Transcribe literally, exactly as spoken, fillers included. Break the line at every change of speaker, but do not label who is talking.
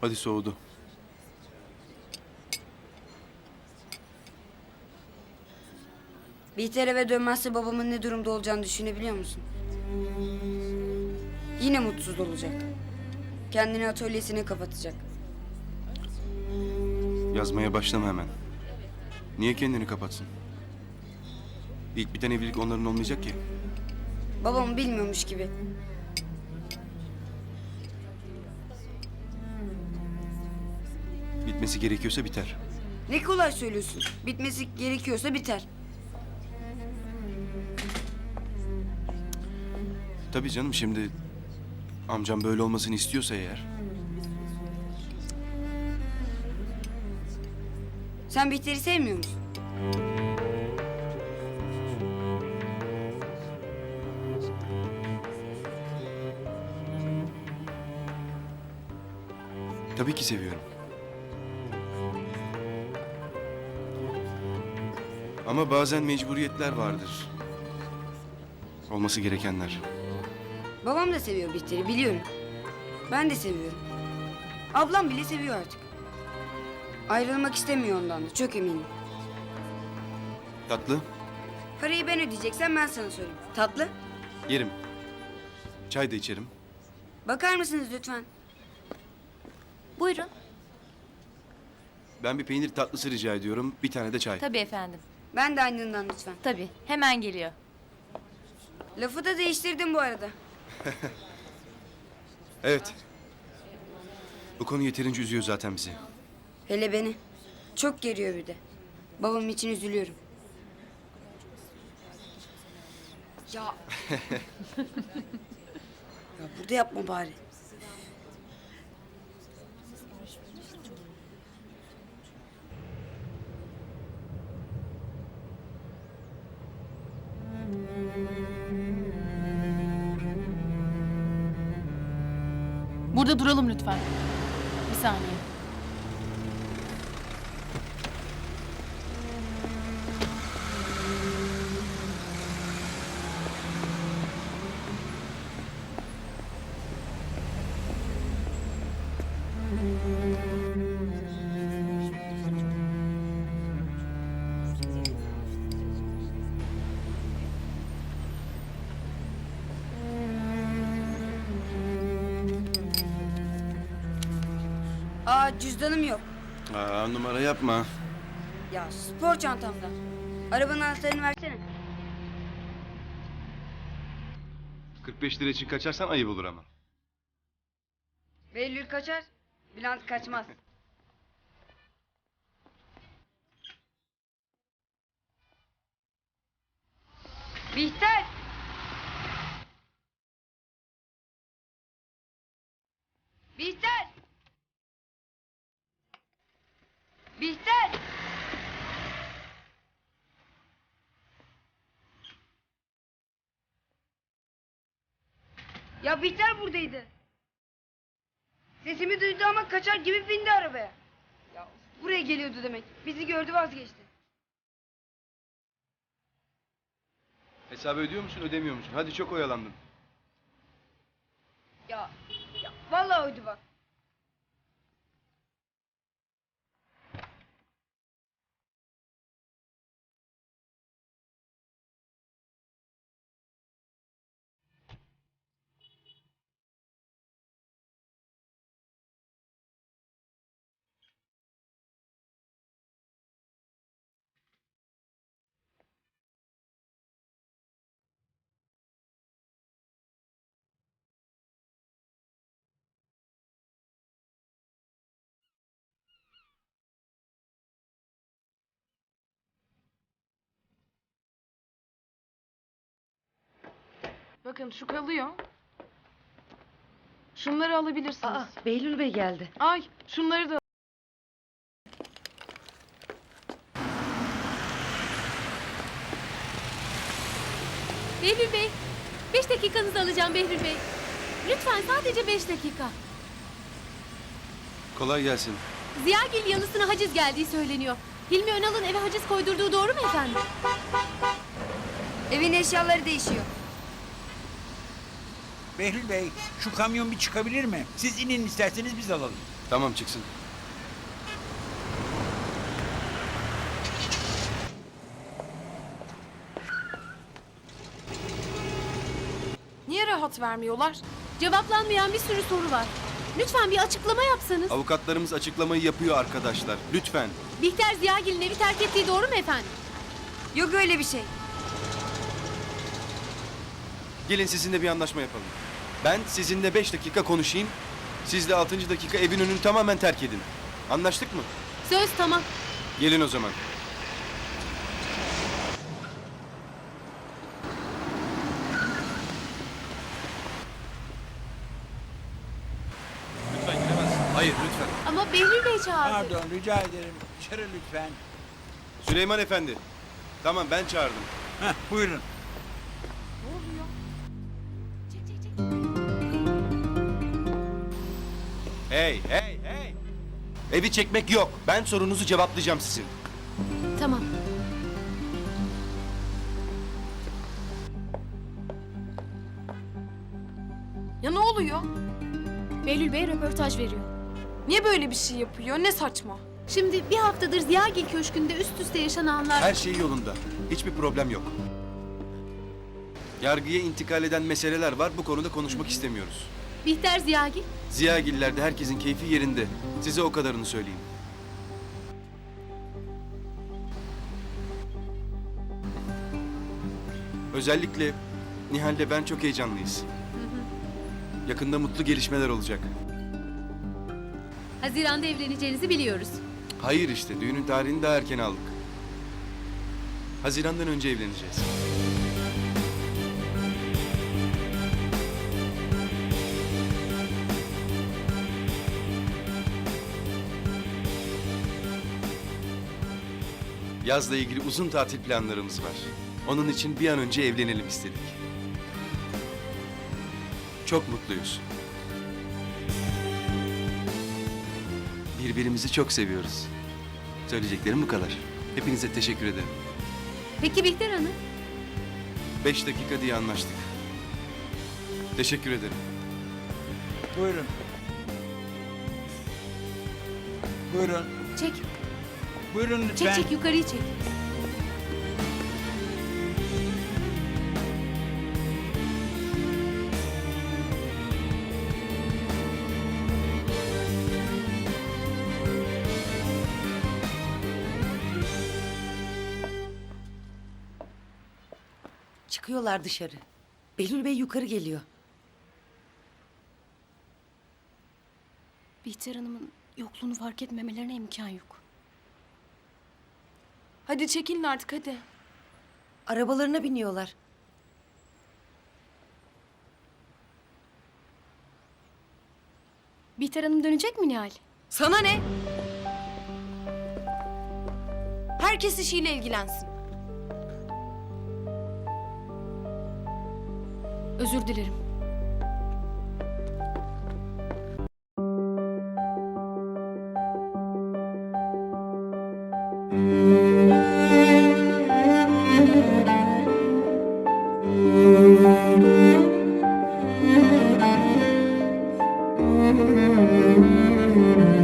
Hadi soğudu.
Bihter eve dönmezse babamın ne durumda olacağını düşünebiliyor musun? Yine mutsuz olacak. Kendini atölyesine kapatacak.
Yazmaya başlama hemen. Niye kendini kapatsın? İlk biten evlilik onların olmayacak ki.
Babamı bilmiyormuş gibi.
Bitmesi gerekiyorsa biter.
Ne kolay söylüyorsun. Bitmesi gerekiyorsa biter.
Tabii canım, şimdi amcam böyle olmasını istiyorsa eğer.
Sen Bihter'i sevmiyor musun?
Tabii ki seviyorum. Ama bazen mecburiyetler vardır. Olması gerekenler.
Babam da seviyor Bihter'i biliyorum. Ben de seviyorum. Ablam bile seviyor artık. Ayrılmak istemiyor ondan da çok eminim.
Tatlı,
Parayı ben ödeyeceksem ben sana söyleyeyim. Tatlı.
yerim. Çay da içerim.
Bakar mısınız lütfen?
Buyurun.
Ben bir peynir tatlısı rica ediyorum. Bir tane de çay.
Tabii efendim.
Ben de aynından lütfen.
Tabii. Hemen geliyor.
Lafı da değiştirdim bu arada.
Evet. Bu konu yeterince üzüyor zaten bizi.
Hele beni. Çok geriyor bir de. Babam için üzülüyorum. Ya. Ya burada yapma bari.
Burada duralım lütfen. Bir saniye.
Aa cüzdanım yok.
Aa, numara yapma.
Ya spor çantamda. Arabanın anahtarını versene.
kırk beş lira için kaçarsan ayıp olur ama.
Behlül kaçar. Bülent kaçmaz. Bihter! Bihter! Bihter! Ya Bihter buradaydı. Sesimi duydu ama kaçar gibi bindi arabaya. Ya buraya geliyordu demek. Bizi gördü vazgeçti.
Hesabı ödüyor musun, ödemiyor musun? Hadi, çok oyalandın.
Ya, ya vallahi oydu bak.
Bakın şu kalıyor. Şunları alabilirsiniz.
Aa, Behlül Bey geldi.
Ay şunları da
Behlül Bey, beş dakikanızı alacağım Behlül Bey. Lütfen sadece beş dakika.
Kolay gelsin.
Ziyagil yanısına haciz geldiği söyleniyor. Hilmi Önal'ın eve haciz koydurduğu doğru mu efendim?
Evin eşyaları değişiyor.
Behlül Bey, şu kamyon bir çıkabilir mi? Siz inin isterseniz biz alalım.
Tamam, çıksın.
Niye rahat vermiyorlar?
Cevaplanmayan bir sürü soru var. Lütfen bir açıklama yapsanız.
Avukatlarımız açıklamayı yapıyor arkadaşlar. Lütfen.
Bihter Ziyagil'in evi terk ettiği doğru mu efendim?
Yok öyle bir şey.
Gelin sizinle bir anlaşma yapalım. Ben sizinle beş dakika konuşayım. Siz de altıncı dakika evin önünü tamamen terk edin. Anlaştık mı?
Söz tamam.
Gelin o zaman.
Lütfen giremezsin.
Hayır, lütfen.
Ama Behlül Bey çağırdı.
Pardon, rica ederim. Dışarı lütfen.
Süleyman Efendi. Tamam, ben çağırdım.
Heh, buyurun.
Çek, çek, çek.
Hey, hey, hey! Evi çekmek yok. Ben sorunuzu cevaplayacağım sizin.
Tamam.
Ya ne oluyor?
Behlül Bey röportaj veriyor.
Niye böyle bir şey yapıyor? Ne saçma.
Şimdi bir haftadır Ziyagil Köşkü'nde üst üste yaşananlar...
Her şey yolunda. Hiçbir problem yok. Yargıya intikal eden meseleler var. Bu konuda konuşmak istemiyoruz.
Bihter Ziyagil,
Ziyagillerde herkesin keyfi yerinde. Size o kadarını söyleyeyim. Özellikle Nihal'le ben çok heyecanlıyız. Yakında mutlu gelişmeler olacak.
Haziran'da evleneceğinizi biliyoruz.
Hayır işte, düğünün tarihini daha erken aldık. Haziran'dan önce evleneceğiz. Yazla ilgili uzun tatil planlarımız var. Onun için bir an önce evlenelim istedik. Çok mutluyuz. Birbirimizi çok seviyoruz. Söyleyeceklerim bu kadar. Hepinize teşekkür ederim.
Peki Bihter Hanım?
Beş dakika diye anlaştık. Teşekkür ederim.
Buyurun. Buyurun.
Çek,
Buyurun lütfen.
çek çek yukarıyı çek.
Çıkıyorlar dışarı. Behlül Bey yukarı geliyor.
Bihter Hanım'ın yokluğunu fark etmemelerine imkan yok.
Hadi çekilin artık hadi.
Arabalarına biniyorlar.
Bihter Hanım dönecek mi Nihal?
Sana ne? Herkes işiyle ilgilensin.
Özür dilerim.
Thank you.